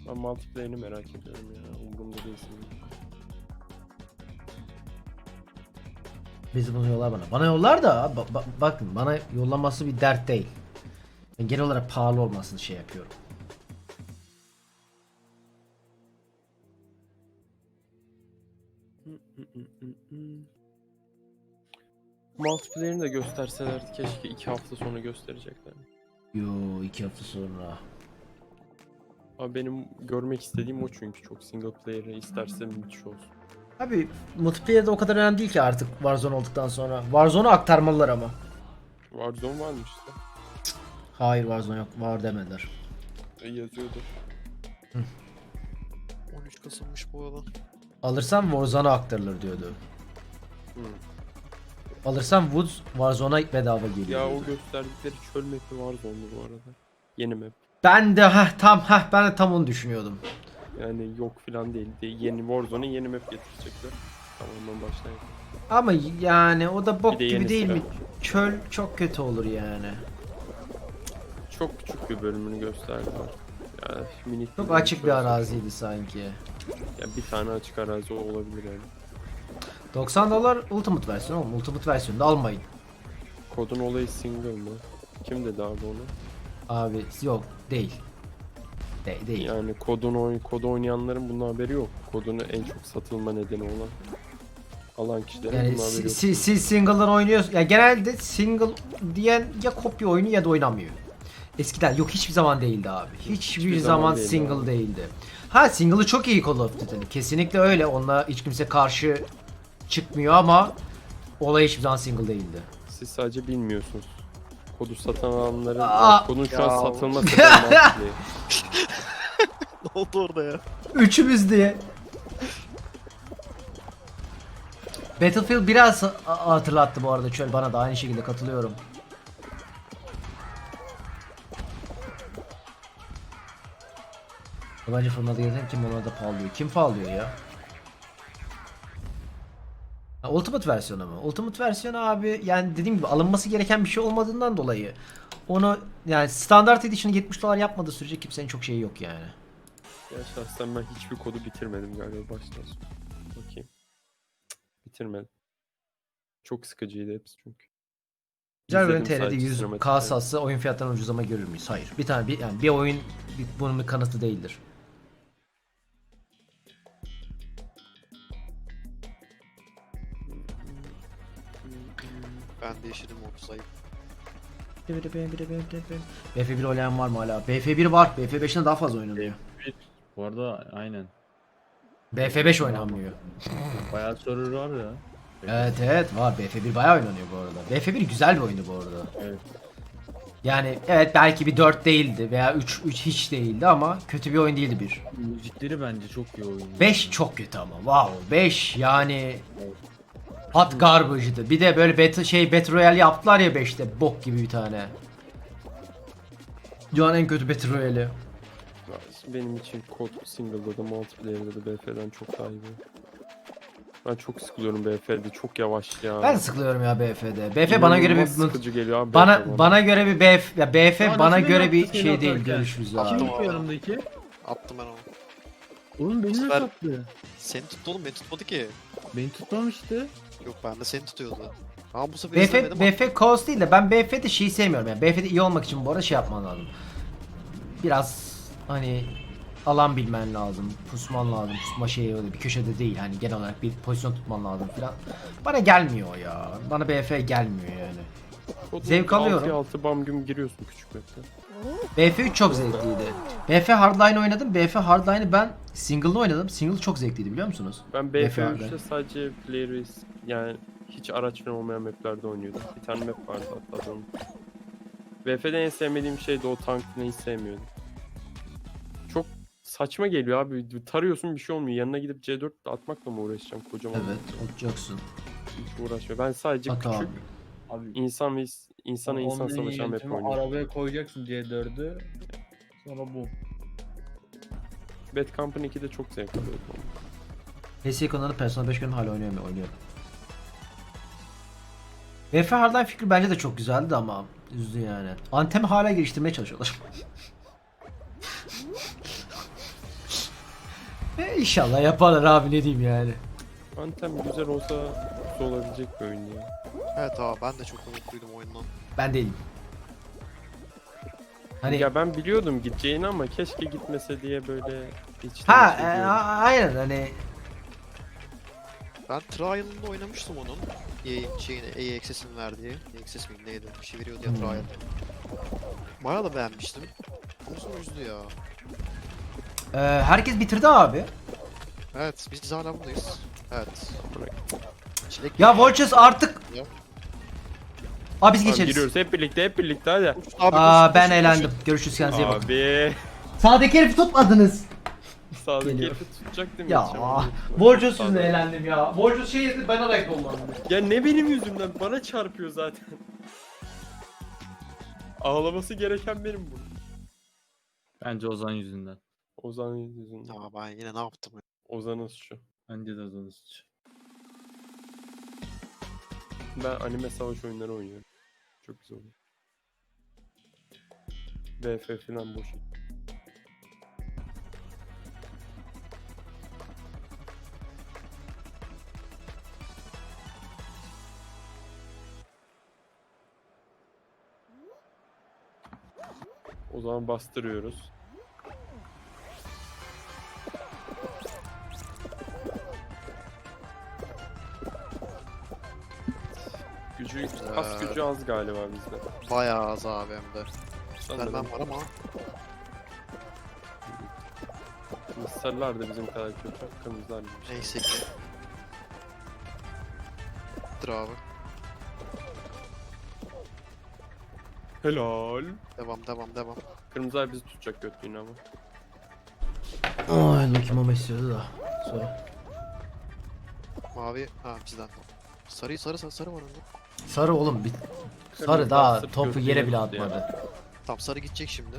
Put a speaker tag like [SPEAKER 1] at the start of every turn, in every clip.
[SPEAKER 1] Ben multiplayer'ini merak ediyorum ya. Umurumda değilsin.
[SPEAKER 2] Bizi bunu yollar bana. Bana yollar da bakın bana yollaması bir dert değil. Ben genel olarak pahalı olmasını şey yapıyorum.
[SPEAKER 1] Multiplayer'ini de gösterselerdi keşke 2 hafta sonra gösterecekler.
[SPEAKER 2] Yo 2 hafta sonra.
[SPEAKER 1] Abi benim görmek istediğim o çünkü çok single player'ı isterse müthiş olsun.
[SPEAKER 2] Abi multiplayer'de o kadar önemli değil ki artık Warzone olduktan sonra. Warzone'u aktarmalılar ama.
[SPEAKER 1] Warzone varmış işte.
[SPEAKER 2] Hayır Warzone yok. Var demediler.
[SPEAKER 1] Yazıyordur.
[SPEAKER 3] 13 Kasım'mış bu arada.
[SPEAKER 2] Alırsam Warzone'a aktarılır diyordu.
[SPEAKER 1] Hı.
[SPEAKER 2] Alırsam Woods Warzone'a bedava geliyor.
[SPEAKER 1] Ya o
[SPEAKER 2] diyordu.
[SPEAKER 1] gösterdikleri çöl map'i Warzone'du bu arada. Yeni map.
[SPEAKER 2] Ben de ben de tam onu düşünüyordum.
[SPEAKER 1] Yani yok filan değil. Yeni Warzone'a yeni map getirecekler. Tamamen baştan yapalım.
[SPEAKER 2] Ama yani o da bok
[SPEAKER 1] Bir de
[SPEAKER 2] gibi
[SPEAKER 1] yenisi
[SPEAKER 2] değil
[SPEAKER 1] de
[SPEAKER 2] mi?
[SPEAKER 1] var.
[SPEAKER 2] Çöl çok kötü olur yani.
[SPEAKER 1] Çok küçük bir bölümünü gösterdiler. Ya minik
[SPEAKER 2] Çok
[SPEAKER 1] bölüm
[SPEAKER 2] açık bir
[SPEAKER 1] çöl
[SPEAKER 2] araziydi sanki.
[SPEAKER 1] Ya bir tane açık arazi olabilir yani.
[SPEAKER 2] $90 Ultimate versiyonu oğlum. Ultimate versiyonu da almayın.
[SPEAKER 1] Kodun olayı single mı? Kim dedi abi onu?
[SPEAKER 2] Abi yok değil. Değil.
[SPEAKER 1] Yani kodu oynayanların bunun haberi yok. Kodunu en çok satılma nedeni olan alan kişilerin
[SPEAKER 2] Yani
[SPEAKER 1] bunun haberi yok.
[SPEAKER 2] siz single'dan oynuyorsun. Ya genelde single diyen ya kopya oyunu ya da oynamıyor. Eskiden yok hiçbir zaman değildi abi. Hiçbir
[SPEAKER 1] zaman
[SPEAKER 2] zaman
[SPEAKER 1] değildi
[SPEAKER 2] single
[SPEAKER 1] abi.
[SPEAKER 2] değildi. Ha single'ı çok iyi Call of Duty'nin. Kesinlikle öyle. Onunla hiç kimse karşı çıkmıyor ama olay hiçbir zaman single değildi.
[SPEAKER 1] Siz sadece bilmiyorsunuz. Kodu satan alanların
[SPEAKER 2] Aa!
[SPEAKER 1] kodun şu
[SPEAKER 3] Ya.
[SPEAKER 1] an satılma sebebi multiplayer.
[SPEAKER 3] Ne oldu orada ya?
[SPEAKER 2] Üçümüz diye. Battlefield biraz hatırlattı bu arada çöl, bana da aynı şekilde katılıyorum. Yabancı fırında gezen kim ona da pahalıyor. Kim pahalıyor ya? Ha, Ultimate versiyonu mu? Ultimate versiyonu abi yani dediğim gibi alınması gereken bir şey olmadığından dolayı onu yani standart edition'ı $70 yapmadığı sürece kimsenin çok şeyi yok yani.
[SPEAKER 1] Ya şahsen ben hiçbir kodu bitirmedim galiba baştan sona. Bakayım. Bitirmedim. Çok sıkıcıydı hepsi çünkü.
[SPEAKER 2] Güzel
[SPEAKER 1] İzledim
[SPEAKER 2] bir TR'de
[SPEAKER 1] sadece
[SPEAKER 2] 100
[SPEAKER 1] sinematikleri.
[SPEAKER 2] kasası oyun fiyatlarını ucuzlama görür müyüz? Hayır. Yani bir oyun bunun bir kanıtı değildir.
[SPEAKER 3] Ben değiştirdim 30 ayı.
[SPEAKER 2] BF1 oynayan var mı hala? BF1 var. BF5'ten daha fazla oynanıyor.
[SPEAKER 4] Bu arada aynen.
[SPEAKER 2] BF5 oynanmıyor.
[SPEAKER 4] Bayağı server var ya.
[SPEAKER 2] Evet var. BF1 bayağı oynanıyor bu arada. BF1 güzel bir oyundu bu arada.
[SPEAKER 4] Evet.
[SPEAKER 2] Yani evet belki bir 4 değildi veya 3 hiç değildi ama kötü bir oyun değildi bir.
[SPEAKER 4] Müzikleri bence çok iyi oyun.
[SPEAKER 2] 5 çok kötü ama. Wow. 5 yani hot garbage'dı. Bir de böyle Battle Royale yaptılar ya 5'te. Bok gibi bir tane. Dünyanın en kötü Battle Royale'i.
[SPEAKER 1] Benim için kod single'da da multiplayer'da da BF'den çok daha iyi. Ben çok sıkılıyorum BF'de. Çok yavaş ya.
[SPEAKER 2] Ben sıkılıyorum ya BF'de. BF bana göre
[SPEAKER 1] İnanılmaz
[SPEAKER 2] bir
[SPEAKER 1] sıkıcı geliyor abi.
[SPEAKER 2] bana göre bir BF ya BF
[SPEAKER 4] Ya
[SPEAKER 2] bana
[SPEAKER 4] nasıl
[SPEAKER 2] göre
[SPEAKER 4] beni
[SPEAKER 2] bir
[SPEAKER 4] attı
[SPEAKER 2] şey
[SPEAKER 4] seni
[SPEAKER 2] değil,
[SPEAKER 4] atarken?
[SPEAKER 2] görüşürüz
[SPEAKER 3] Attım
[SPEAKER 2] abi.
[SPEAKER 4] Kim bu yanımdaki?
[SPEAKER 3] Attım ben onu.
[SPEAKER 4] Oğlum beni
[SPEAKER 3] Sefer-
[SPEAKER 4] nasıl attı?
[SPEAKER 3] Seni tuttu oğlum, beni tutmadı ki.
[SPEAKER 4] Beni tutmamıştı.
[SPEAKER 3] Yok, ben de seni tutuyordu. Ama bu sefer
[SPEAKER 2] BF
[SPEAKER 3] izlemedim.
[SPEAKER 2] BF cause değil de ben BF'de şeyi sevmiyorum yani. BF'de iyi olmak için bu arada şey yapman lazım. Biraz hani alan bilmen lazım, pusman lazım. Pusma şeyi öyle bir köşede değil. Hani genel olarak bir pozisyon tutman lazım filan. Bana gelmiyor ya. Bana BF gelmiyor yani. Zevk alıyorum.
[SPEAKER 1] 6 bam güm giriyorsun küçük map'te.
[SPEAKER 2] BF3 çok zevkliydi. BF Hardline oynadım. BF Hardline'ı ben single'da oynadım. Single çok zevkliydi biliyor musunuz?
[SPEAKER 1] Ben
[SPEAKER 2] BF
[SPEAKER 1] BF3'te sadece player base yani hiç araç falan olmayan maplerde oynuyordum. Bir tane map vardı hatta onun. BF'de en sevmediğim şey de o tankını hiç sevmiyordum. Çok saçma geliyor abi. Tarıyorsun bir şey olmuyor. Yanına gidip C4 atmakla mı uğraşacağım kocaman?
[SPEAKER 2] Evet, olacaksın.
[SPEAKER 1] Hiç uğraşmıyor. Ben sadece
[SPEAKER 2] At
[SPEAKER 1] küçük
[SPEAKER 2] abi.
[SPEAKER 4] Abi
[SPEAKER 1] insan ve insana insan
[SPEAKER 4] online
[SPEAKER 1] savaşan map
[SPEAKER 4] yöntemi
[SPEAKER 1] oynuyorum.
[SPEAKER 4] arabaya koyacaksın C4'ü. Sonra bu.
[SPEAKER 1] Bad Company 2'de çok zevk alıyordum.
[SPEAKER 2] PS konuları Persona 5 günüm hala oynuyorum. BF Hardline fikri bence de çok güzeldi ama üzdü yani. Antem'i hala geliştirmeye çalışıyorlar. İnşallah yaparlar abi, ne diyeyim yani.
[SPEAKER 1] Anthem güzel olsa olabilecek bir oyun ya.
[SPEAKER 3] Evet abi ben de çok umutluydum oyundan.
[SPEAKER 2] Ben değilim. Hani
[SPEAKER 1] Ya ben biliyordum gideceğini ama keşke gitmese diye böyle
[SPEAKER 2] ha
[SPEAKER 1] içten içe
[SPEAKER 2] aynen hani
[SPEAKER 3] Ben Trial'ında oynamıştım onun. EA Access'in verdiği. EA Access miydi neydi? Bir şey veriyordu ya
[SPEAKER 2] Hmm.
[SPEAKER 3] Trial. Bayağı da beğenmiştim. Ama sonra üzdü ya.
[SPEAKER 2] herkes bitirdi abi.
[SPEAKER 3] Evet biz hala buradayız. Evet. Çilek
[SPEAKER 2] Ya Volchos artık.
[SPEAKER 3] Ya.
[SPEAKER 2] Abi biz
[SPEAKER 1] Tamam,
[SPEAKER 2] geçeriz.
[SPEAKER 1] giriyoruz hep birlikte hadi.
[SPEAKER 3] Abi,
[SPEAKER 2] Ben
[SPEAKER 3] koşun,
[SPEAKER 2] eğlendim. Görüşürüz, kendinize iyi bakın.
[SPEAKER 1] Abi
[SPEAKER 2] Sağdaki herifi tutmadınız.
[SPEAKER 1] sağdaki
[SPEAKER 2] Geliyor.
[SPEAKER 1] herifi tutacak değil mi?
[SPEAKER 2] Ya
[SPEAKER 1] Yetişemem, yetişemem.
[SPEAKER 2] Volchos
[SPEAKER 1] Sağda.
[SPEAKER 2] yüzünden eğlendim ya. Volchos şey yedi, ben olarak olmadım.
[SPEAKER 1] Ya ne benim yüzümden bana çarpıyor zaten. Ağlaması gereken benim bu.
[SPEAKER 4] Bence Ozan yüzünden.
[SPEAKER 1] Ozan yüzünden.
[SPEAKER 3] Ya ben yine ne yaptım ya?
[SPEAKER 1] Ozan'ın suçu.
[SPEAKER 4] Bence de Ozan'ın suçu.
[SPEAKER 1] Ben anime savaş oyunları oynuyorum. Çok güzel oluyor. VF falan boş. O zaman bastırıyoruz. Gücü, kas gücü az galiba bizde.
[SPEAKER 3] Bayağı az abi hem de.
[SPEAKER 1] Sanırım.
[SPEAKER 3] Vermem var ama.
[SPEAKER 1] Sarılar da bizim kadar kötü. Kırmızılar gibi.
[SPEAKER 3] Neyse ki. Dur abi.
[SPEAKER 1] Helal.
[SPEAKER 3] Devam.
[SPEAKER 1] Kırmızılar bizi tutacak götlüğünü ama.
[SPEAKER 2] Ay Lucky Mama istiyordu da. Sonra.
[SPEAKER 3] Mavi. Ha bizden. Sarı var önde.
[SPEAKER 2] Sarı oğlum bir. Sarı
[SPEAKER 1] Kırmızılar
[SPEAKER 2] daha
[SPEAKER 1] sırf
[SPEAKER 2] topu
[SPEAKER 1] götlüğüne
[SPEAKER 2] yere bile
[SPEAKER 1] tuttu ya.
[SPEAKER 2] atmadı.
[SPEAKER 3] Tamam sarı gidecek şimdi.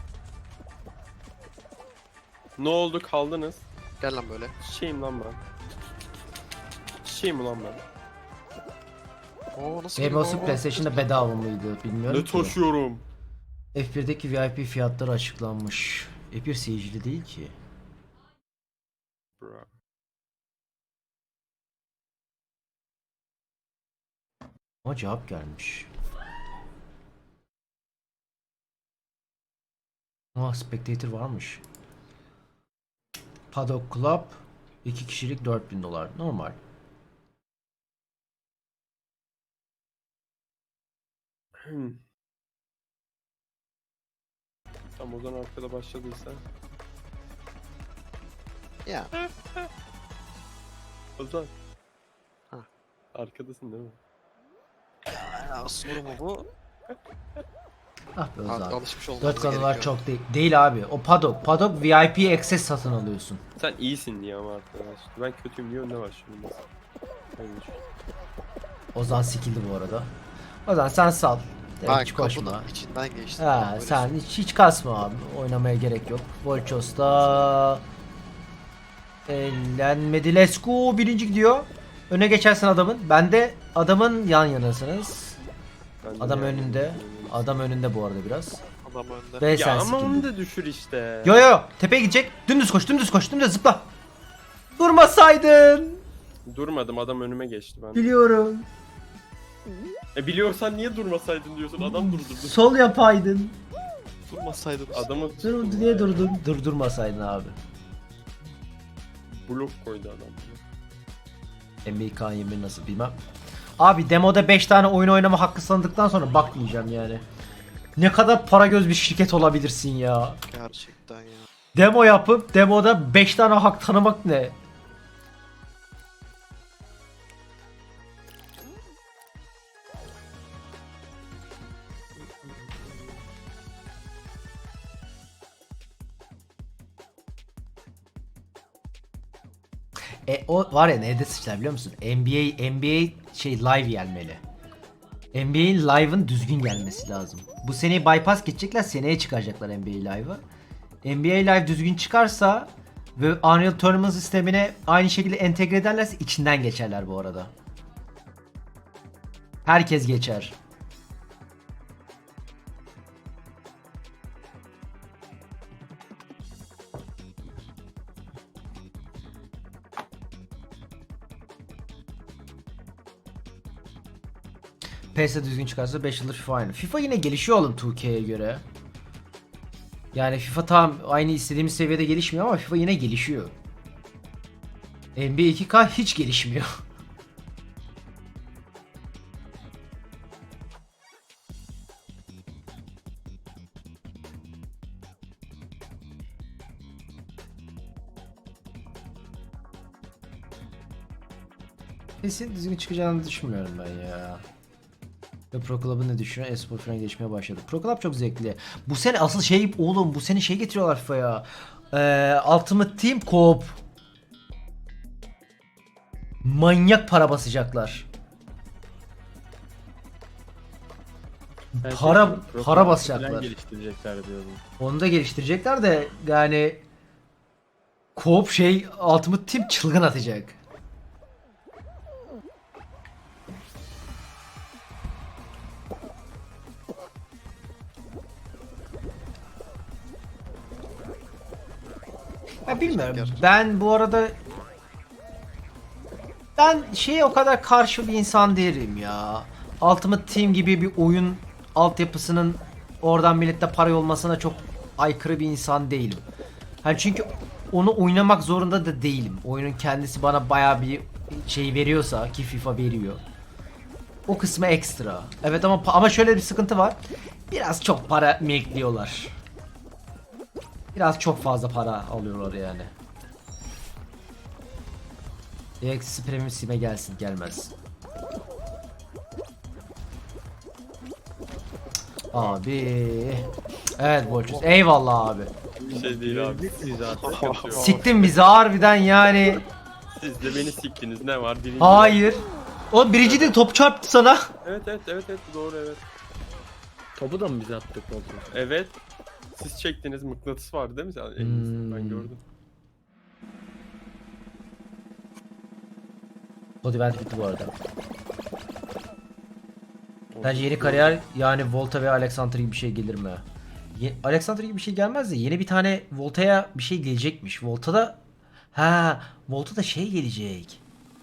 [SPEAKER 1] Ne oldu kaldınız?
[SPEAKER 3] Gel lan böyle.
[SPEAKER 1] Şeyim lan ben. Şeyim ulan ben.
[SPEAKER 3] Oo nasıl
[SPEAKER 2] Game
[SPEAKER 3] geliyor?
[SPEAKER 2] of PlayStation'da bedava mıydı bilmiyorum
[SPEAKER 1] Ne
[SPEAKER 2] ki.
[SPEAKER 1] taşıyorum?
[SPEAKER 2] F1'deki VIP fiyatları açıklanmış. F1 seyircili değil ki.
[SPEAKER 1] Bra.
[SPEAKER 2] Ama cevap gelmiş. Spectator varmış. Paddock Club 2 kişilik $4000. Normal.
[SPEAKER 1] Tamam o zaman arkada başladıysa.
[SPEAKER 3] Ya.
[SPEAKER 1] Ozan.
[SPEAKER 3] Ha.
[SPEAKER 1] Arkadasın değil mi?
[SPEAKER 3] Ya soru mu bu?
[SPEAKER 2] Ah be Ozan.
[SPEAKER 3] Alışmış olmamız
[SPEAKER 2] 4 kanallar
[SPEAKER 3] gerekiyor.
[SPEAKER 2] çok değil. Değil abi. O Paddock. Paddock VIP access satın alıyorsun.
[SPEAKER 1] Sen iyisin diye ama arkadaş. Ben kötüyüm diye önüne başlıyorum mesela. Öyle düşün.
[SPEAKER 2] Ozan skilldi bu arada. Ozan sen sal.
[SPEAKER 3] Ben
[SPEAKER 2] Hiç koşma.
[SPEAKER 3] kapının içinden geçtim.
[SPEAKER 2] Ha,
[SPEAKER 3] Böyle
[SPEAKER 2] sen hiç kasma abi. Oynamaya gerek yok. Volchos'ta elenmedi. Let's go. Birinci gidiyor. Öne geçersin adamın. Ben de adamın yan yanasınız.
[SPEAKER 1] Ben de
[SPEAKER 2] Adam
[SPEAKER 1] yani-
[SPEAKER 2] önünde. Adam önünde bu arada biraz.
[SPEAKER 3] adam önde.
[SPEAKER 2] Ve
[SPEAKER 1] Ya
[SPEAKER 2] sen
[SPEAKER 1] ama onu
[SPEAKER 2] skill'di.
[SPEAKER 1] da düşür işte.
[SPEAKER 2] Yo yo yo. Tepeye gidecek. Dümdüz koş. Dümdüz koş. Dümdüz zıpla. Durmasaydın.
[SPEAKER 1] Durmadım adam önüme geçti ben.
[SPEAKER 2] Biliyorum.
[SPEAKER 1] Biliyorsan niye durmasaydın diyorsun adam durdurdu.
[SPEAKER 2] Sol yapaydın.
[SPEAKER 3] Durmasaydım.
[SPEAKER 1] Adamı
[SPEAKER 2] Dur, niye durdun? Durdurmasaydın abi.
[SPEAKER 1] blok koydu adam.
[SPEAKER 2] NBA K21 nasıl bilmem. Abi demoda 5 tane oyun oynama hakkı sandıktan sonra bak diyeceğim yani. Ne kadar para göz bir şirket olabilirsin ya.
[SPEAKER 3] Gerçekten ya.
[SPEAKER 2] Demo yapıp demoda 5 tane hak tanımak ne? O var ya nerede sıçrar biliyor musun? NBA şey live gelmeli. NBA'in live'ın düzgün gelmesi lazım. Bu seneyi bypass geçecekler, seneye çıkaracaklar NBA live'ı. NBA live düzgün çıkarsa ve Unreal Tournament sistemine aynı şekilde entegre ederlerse içinden geçerler bu arada. Herkes geçer. PES'e düzgün çıkarsa 5 yıldır FIFA aynı. FIFA yine gelişiyor oğlum 2K'ye göre. Yani FIFA tam aynı istediğimiz seviyede gelişmiyor ama FIFA yine gelişiyor. NBA 2K hiç gelişmiyor. Kesin düzgün çıkacağını düşünmüyorum ben ya. Ve Pro Club'ın ne düşünüyor? Espor falan gelişmeye başladı. Pro Club çok zevkli. Bu sene asıl şey oğlum bu sene şey getiriyorlar FIFA'ya. Ultimate Team Co-op. Manyak para basacaklar.
[SPEAKER 4] Ben
[SPEAKER 2] Para-
[SPEAKER 4] şey,
[SPEAKER 2] para
[SPEAKER 4] Pro
[SPEAKER 2] basacaklar.
[SPEAKER 4] falan geliştirecekler diyordum.
[SPEAKER 2] Onu da geliştirecekler de yani Co-op şey Ultimate Team çılgın atacak. Ya bilmiyorum. Ben bu arada şeye o kadar karşı bir insan değilim ya. Ultimate Team gibi bir oyun altyapısının oradan millette para olmasına çok aykırı bir insan değilim. Hani çünkü onu oynamak zorunda da değilim. Oyunun kendisi bana bayağı bir şey veriyorsa ki FIFA veriyor. O kısmı ekstra. Evet ama şöyle bir sıkıntı var. Biraz çok para milkliyorlar. Biraz çok fazla para alıyorlar yani. EX'i Premium Steam'e gelsin gelmez. Abi. Evet Bolçuz. Eyvallah abi.
[SPEAKER 1] Bir şey değil abi.
[SPEAKER 4] Biz zaten.
[SPEAKER 1] Sıkıntı yok.
[SPEAKER 2] Siktin bizi harbiden yani.
[SPEAKER 1] Siz de beni siktiniz. Ne var? Birinci.
[SPEAKER 2] Hayır. O birinci de top çarptı sana.
[SPEAKER 1] Evet doğru evet.
[SPEAKER 4] Topu da mı biz attık oldu?
[SPEAKER 1] Evet. Siz çektiniz, mıknatıs vardı değil mi? Sen elinizde, ben gördüm.
[SPEAKER 2] Body Vent bitti bu arada. Bence yeni kariyer yani Volta ve Alexander gibi bir şey gelir mi? Alexander gibi bir şey gelmez de yeni bir tane Volta'ya bir şey gelecekmiş. Volta'da şey gelecek.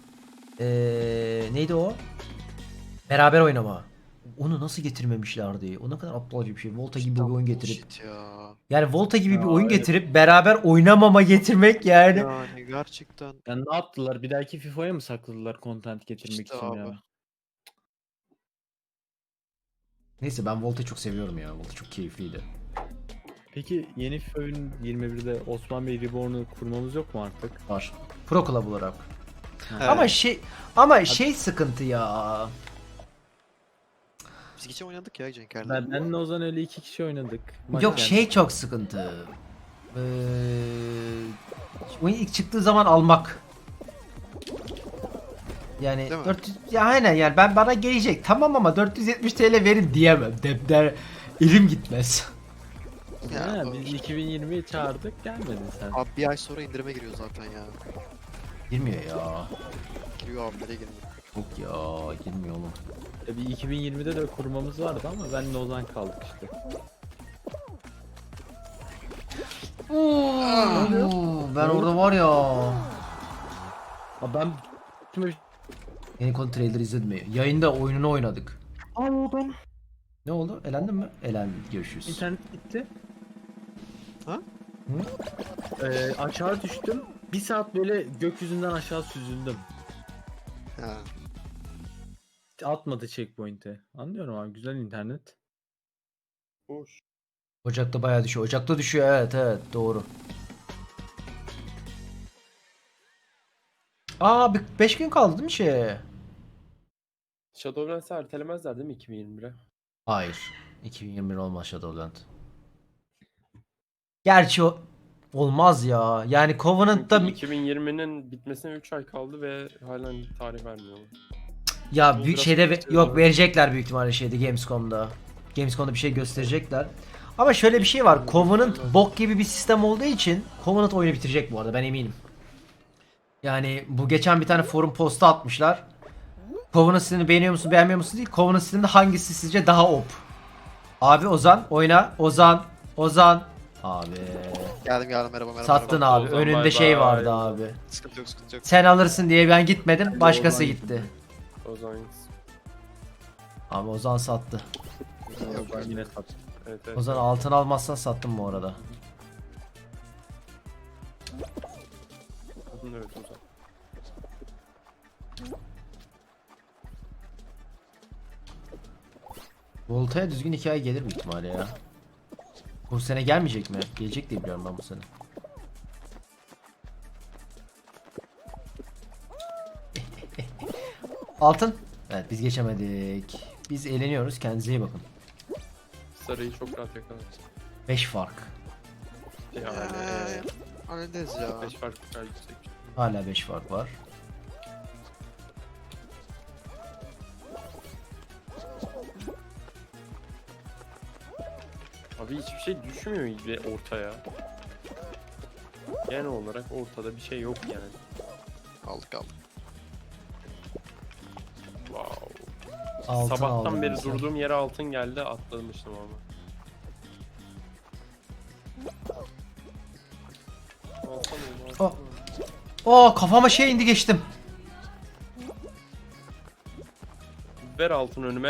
[SPEAKER 2] Neydi o? Beraber oynama. Onu nasıl getirmemişlerdi? O ne kadar aptalca bir şey. Volta gibi bir oyun getirip.
[SPEAKER 3] Bullshit ya.
[SPEAKER 2] Yani Volta gibi bir oyun
[SPEAKER 4] evet.
[SPEAKER 2] getirip beraber oynamama getirmek yani.
[SPEAKER 3] Yani gerçekten
[SPEAKER 4] Yani ne yaptılar? Bir dahaki FIFA'ya mı sakladılar content getirmek
[SPEAKER 3] İşte
[SPEAKER 4] için
[SPEAKER 3] abi.
[SPEAKER 4] ya?
[SPEAKER 2] Neyse ben Volta'yı çok seviyorum ya. Volta çok keyifliydi.
[SPEAKER 4] Peki yeni FIFA oyun 21'de Osman Bey Reborn'u kurmamız yok mu artık?
[SPEAKER 2] Var. Pro Club olarak.
[SPEAKER 3] Evet.
[SPEAKER 2] Ama şey sıkıntı ya.
[SPEAKER 3] Biz geçen oynadık ya Cenker'le.
[SPEAKER 4] Benle Ozan öyle 2 kişi oynadık. Maç
[SPEAKER 2] Yok
[SPEAKER 4] yani.
[SPEAKER 2] şey çok sıkıntı. Oyun ilk çıktığı zaman almak. Yani
[SPEAKER 3] Değil mi?
[SPEAKER 2] 400 ya aynen yani bana gelecek tamam ama 470 TL verin diyemem. Der elim gitmez.
[SPEAKER 3] Ya,
[SPEAKER 4] Ha, biz 2020'yi çağırdık gelmedin sen.
[SPEAKER 3] Abi bir ay sonra indirime giriyor zaten ya.
[SPEAKER 2] Girmiyor ya.
[SPEAKER 3] Giriyor abi nereye girmiyor.
[SPEAKER 2] Yok ya girmiyor oğlum.
[SPEAKER 4] Bir 2020'de de kurmamız vardı ama benle Ozan kaldık işte.
[SPEAKER 2] Ben orada var ya.
[SPEAKER 4] Ha ben
[SPEAKER 2] Yeni konu trailer izledim mi? Yayında oyununu oynadık.
[SPEAKER 4] Oldum.
[SPEAKER 2] Ne oldu? Elendin mi? Elendin. Görüşürüz.
[SPEAKER 4] İnternet gitti.
[SPEAKER 3] Ha?
[SPEAKER 4] Aşağı düştüm. Bir saat böyle gökyüzünden aşağı süzüldüm.
[SPEAKER 3] Ha.
[SPEAKER 4] Atmadı checkpoint'e. Anlıyorum abi güzel internet.
[SPEAKER 1] Hoş.
[SPEAKER 2] Ocakta bayağı düşüyor. Ocakta düşüyor evet doğru. Aa 5 gün kaldı değil mi şey?
[SPEAKER 1] Shadowlands'ı ertelemezler değil mi 2021'e?
[SPEAKER 2] Hayır. 2021 olmaz Shadowland. Gerçi olmaz ya. Yani Covenant'ta
[SPEAKER 1] Çünkü 2020'nin bitmesine 3 ay kaldı ve halen tarih vermiyorlar.
[SPEAKER 2] ya
[SPEAKER 1] Bu
[SPEAKER 2] büyük
[SPEAKER 1] biraz
[SPEAKER 2] şeyde
[SPEAKER 1] kötü
[SPEAKER 2] yok
[SPEAKER 1] ya.
[SPEAKER 2] verecekler büyük ihtimalle şeyde Gamescom'da. Gamescom'da bir şey gösterecekler. Ama şöyle bir şey var. Covenant bok gibi bir sistem olduğu için Covenant oyunu bitirecek bu arada ben eminim. Yani bu geçen bir tane forum postu atmışlar. Covenant sistemini beğeniyor musun beğenmiyor musun değil. Covenant sisteminde hangisi sizce daha op? Abi Ozan oyna. Ozan. Abi.
[SPEAKER 3] Geldim merhaba.
[SPEAKER 2] Sattın
[SPEAKER 3] merhaba.
[SPEAKER 2] abi.
[SPEAKER 1] Ozan,
[SPEAKER 2] Önünde
[SPEAKER 1] bay
[SPEAKER 2] şey
[SPEAKER 1] bay.
[SPEAKER 2] vardı abi.
[SPEAKER 3] Sıkıntı yok.
[SPEAKER 2] Sen alırsın diye ben gitmedim. Başkası
[SPEAKER 4] Ozan
[SPEAKER 2] gitti.
[SPEAKER 1] O zaman
[SPEAKER 2] Ama Ozan sattı.
[SPEAKER 3] Yok,
[SPEAKER 4] Ben yine sattım.
[SPEAKER 1] Evet, evet.
[SPEAKER 2] Ozan altın almazsan sattım bu arada.
[SPEAKER 1] Evet Ozan.
[SPEAKER 2] Volta'ya düzgün hikaye gelir büyük ihtimalle ya. Bu sene gelmeyecek mi? Gelecek diye biliyorum ben bu sene. Altın. Evet biz geçemedik. Biz eğleniyoruz. Kendinize iyi bakın.
[SPEAKER 1] Sarıyı çok rahat yakaladı.
[SPEAKER 2] 5 fark.
[SPEAKER 1] Yani
[SPEAKER 3] Hallederiz ya.
[SPEAKER 1] 5 fark kadar yüksek.
[SPEAKER 2] Hala 5 fark var.
[SPEAKER 1] Abi hiçbir şey düşmüyor gibi ortaya. Genel olarak ortada bir şey yok yani.
[SPEAKER 3] Aldık.
[SPEAKER 1] Wow.
[SPEAKER 2] Altın
[SPEAKER 1] Sabahtan
[SPEAKER 2] aldım
[SPEAKER 1] beri
[SPEAKER 2] mesela.
[SPEAKER 1] durduğum yere altın geldi, atlamıştım ama. Altın oldu,
[SPEAKER 2] Oh.
[SPEAKER 1] altın oldu.
[SPEAKER 2] Oo kafama şey indi geçtim.
[SPEAKER 1] Ver altın önüme.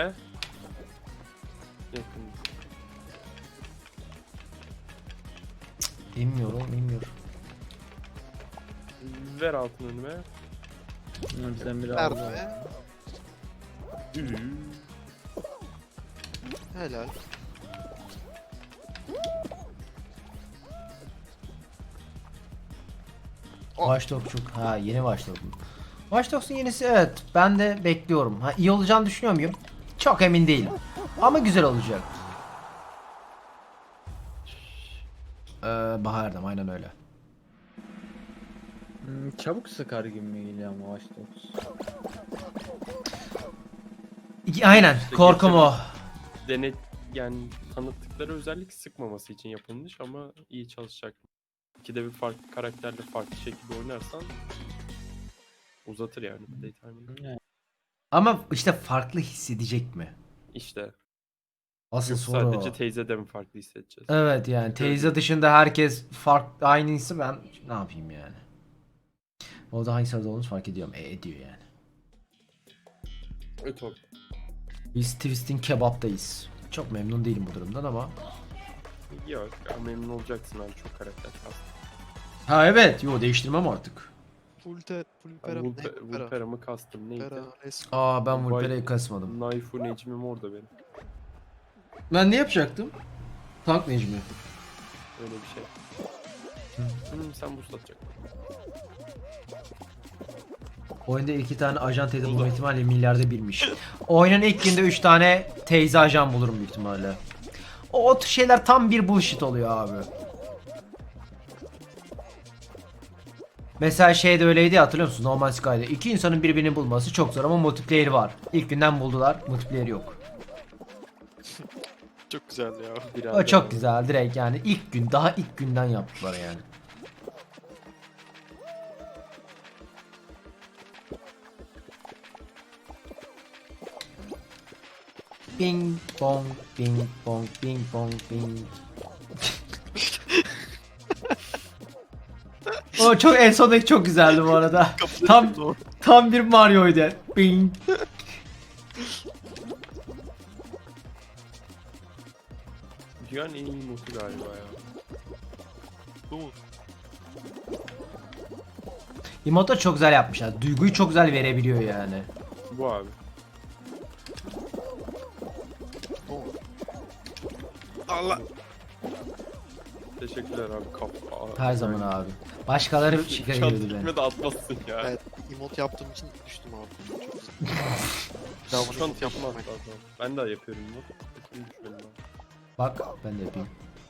[SPEAKER 1] Yakın.
[SPEAKER 2] İnmiyorum.
[SPEAKER 1] Ver altın önüme.
[SPEAKER 4] Bizden biri
[SPEAKER 3] Verdi
[SPEAKER 4] aldı.
[SPEAKER 3] be. Helal. Oh.
[SPEAKER 2] Watch Dogs çok. Ha yeni Watch Dogs. Watch Dogs'un yenisi evet. Ben de bekliyorum. Ha iyi olacağını düşünüyor muyum? Çok emin değilim. Ama güzel olacak. Bahar'dım aynen öyle.
[SPEAKER 4] Çabuk sıkar gibi mi geliyor ama Watch Dogs?
[SPEAKER 2] Aynen
[SPEAKER 1] İşte
[SPEAKER 2] korkum o.
[SPEAKER 1] Denet yani tanıttıkları özellik sıkmaması için yapılmış ama iyi çalışacak. İkide bir farklı karakterle farklı şekilde oynarsan uzatır yani playtime'ını.
[SPEAKER 2] Ama işte farklı hissedecek mi?
[SPEAKER 1] İşte
[SPEAKER 2] Asıl
[SPEAKER 1] yok
[SPEAKER 2] soru
[SPEAKER 1] sadece
[SPEAKER 2] o.
[SPEAKER 1] teyzede mi farklı hissedeceğiz?
[SPEAKER 2] Evet yani teyze dışında herkes farklı aynıysa ben ne yapayım yani? O da hangi sırada olduğunu fark ediyorum. Ediyor yani.
[SPEAKER 1] Evet abi.
[SPEAKER 2] Biz Twist'in kebaptayız. Çok memnun değilim bu durumdan ama.
[SPEAKER 1] Yok ya, memnun olacaksın abi, çok karakter kastım.
[SPEAKER 2] Ha evet. Yo değiştirmem artık.
[SPEAKER 3] Full pera mı? Ne? Pera.
[SPEAKER 1] Vulpera mı kastım neydi?
[SPEAKER 3] Pera. Resmi.
[SPEAKER 2] Aa ben
[SPEAKER 1] Vay.
[SPEAKER 2] Vulpera'yı kasmadım.
[SPEAKER 1] Naifu Necmi'm orada benim.
[SPEAKER 2] Ben ne yapacaktım? Tank Necmi.
[SPEAKER 1] Öyle bir şey. Sen boost atacaksın.
[SPEAKER 2] Oyunda iki tane ajan teyze bulma ihtimali milyarda birmiş. Oyunun ilk günde 3 tane teyze ajan bulurum büyük ihtimalle. O tür şeyler tam bir bullshit oluyor abi. Mesela şey de öyleydi ya, hatırlıyor musun? No Man's Sky'da iki insanın birbirini bulması çok zor ama multiplayer var. İlk günden buldular, multiplayer yok.
[SPEAKER 3] Çok güzel ya.
[SPEAKER 2] O
[SPEAKER 1] Birader
[SPEAKER 2] çok
[SPEAKER 1] abi.
[SPEAKER 2] güzel direkt yani ilk gün, daha ilk günden yaptılar yani. Bing bong bing bong bing bong bing. O çok en sondaki çok güzeldi bu arada. Tam bir Mario'ydu. Bing.
[SPEAKER 1] Dünyanın en iyi modu galiba ya.
[SPEAKER 3] Bu mu?
[SPEAKER 2] Emote'u çok güzel yapmışlar. Duyguyu çok güzel verebiliyor yani.
[SPEAKER 1] Bu abi.
[SPEAKER 3] Bu mu? Allah.
[SPEAKER 1] Teşekkürler abi.
[SPEAKER 2] Her zaman abi. Başkaları şikayet ediyordu beni.
[SPEAKER 1] Çantırma da atmazsın ya.
[SPEAKER 3] Evet. Emote yaptığım için düştüm abi. Çok güzel. Daha bunu
[SPEAKER 1] Şu an
[SPEAKER 3] emote yapmam
[SPEAKER 1] yapmaz
[SPEAKER 3] ben.
[SPEAKER 1] lazım. Ben de yapıyorum bunu. Şimdi düşmedim abi.
[SPEAKER 2] Bak ben de yapayım.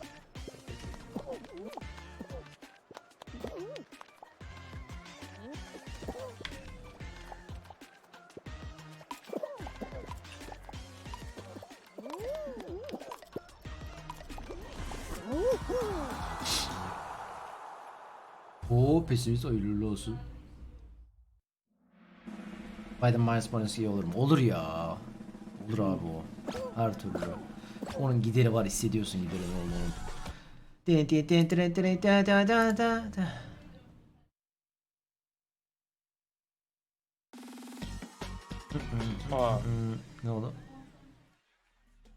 [SPEAKER 2] Oo pesimist hayırlı olsun. Biden minus bonus iyi olur mu? Olur ya. Olur abi o. Her türlü. Onun gideri var, hissediyorsun gideri olduğunu.
[SPEAKER 1] Aa.
[SPEAKER 2] Ne oldu?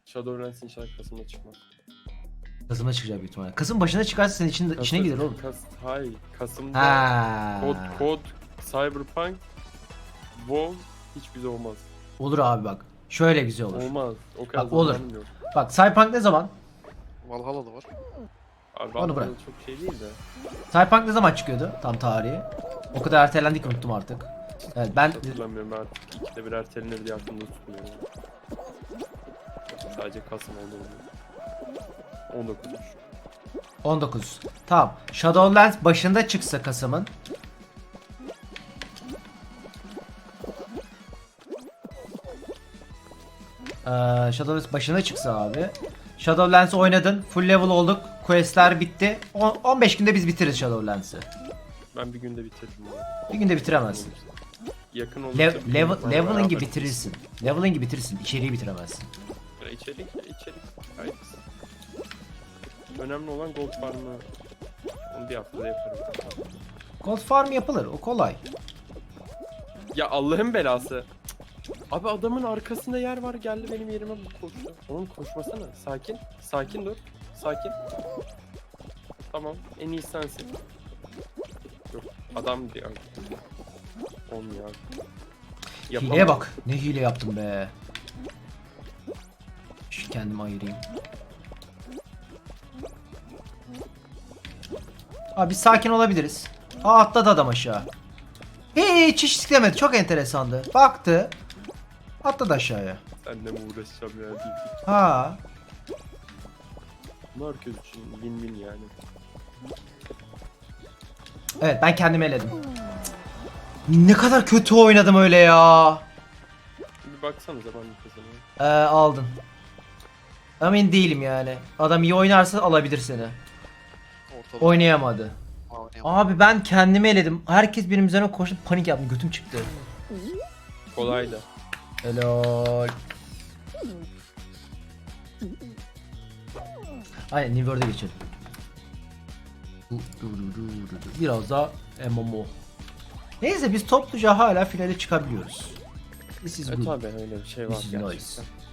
[SPEAKER 1] Shadowlands inşallah Kasım'da çıkmaz.
[SPEAKER 2] Kasım'da çıkacak büyük ihtimalle. Kasım başına çıkarsa senin içine gider oğlum.
[SPEAKER 1] Hayır. Kasım'da
[SPEAKER 2] Ha.
[SPEAKER 1] kod, Cyberpunk, WoW hiç güzel olmaz.
[SPEAKER 2] Olur abi bak. Şöyle güzel olur.
[SPEAKER 1] Olmaz. O kadar
[SPEAKER 2] Bak, olur.
[SPEAKER 1] zamanım yok.
[SPEAKER 2] Bak Cyberpunk ne zaman?
[SPEAKER 3] Valhalla da var.
[SPEAKER 1] Abi
[SPEAKER 2] Onu bırak.
[SPEAKER 1] Valhalla çok şey değil de.
[SPEAKER 2] Cyberpunk ne zaman çıkıyordu? Tam tarihi. O kadar ertelendik unuttum artık. Evet ben
[SPEAKER 1] Hatırlamıyorum artık. İkide bir ertelenir diye aklımda tutmuyorum. Sadece Kasım oldu. 19'muş.
[SPEAKER 2] 19. Tamam. Shadowlands başında çıksa Kasım'ın. Shadowlands başına çıksa abi. Shadowlands oynadın. Full level olduk. Questler bitti. 15 günde biz bitiririz Shadowlands'ı.
[SPEAKER 1] Ben bir günde bitirdim ya.
[SPEAKER 2] Bir günde bitiremezsin.
[SPEAKER 1] Yakın olursa bir gün sonra
[SPEAKER 2] Leveling'i
[SPEAKER 1] beraber
[SPEAKER 2] bitirirsin. Leveling'i bitirirsin. İçeriği bitiremezsin.
[SPEAKER 1] İçerik. Gayet. Önemli olan gold farmı. Onu bir haftada yaparım.
[SPEAKER 2] Gold farm yapılır. O kolay.
[SPEAKER 1] Ya Allah'ın belası. Abi adamın arkasında yer var, geldi benim yerime koştu. Oğlum koşmasana. Sakin. Sakin dur. Sakin. Tamam. En iyi sensin. Yok. Adam diyor. Olmuyor abi. Yapamam.
[SPEAKER 2] Hileye bak. Ne hile yaptım be. Şu kendimi ayırayım. Abi biz sakin olabiliriz. Atladı adam aşağı. Hiç istemedi. Çok enteresandı. Baktı. Atladı aşağıya.
[SPEAKER 1] Seninle mi uğraşacağım ya? Değil.
[SPEAKER 2] Ha.
[SPEAKER 1] Bunu herkes için win-win yani.
[SPEAKER 2] Evet ben kendimi eledim. Ne kadar kötü oynadım öyle ya.
[SPEAKER 1] Bir baksanıza ben bir kazanıyorum.
[SPEAKER 2] Aldın. Emin değilim yani. Adam iyi oynarsa alabilir seni.
[SPEAKER 3] Ortada.
[SPEAKER 2] Oynayamadı.
[SPEAKER 3] Oynayamam.
[SPEAKER 2] Abi ben kendimi eledim. Herkes benim üzerine koştu, panik yaptım. Götüm çıktı.
[SPEAKER 1] Kolay da.
[SPEAKER 2] Helal. Aynen New World'e geçelim. Biraz daha MMO. Neyse biz topluca hala finale çıkabiliyoruz. This is good.
[SPEAKER 1] Tabii öyle bir şey var
[SPEAKER 2] This is
[SPEAKER 1] gerçekten.
[SPEAKER 2] nice.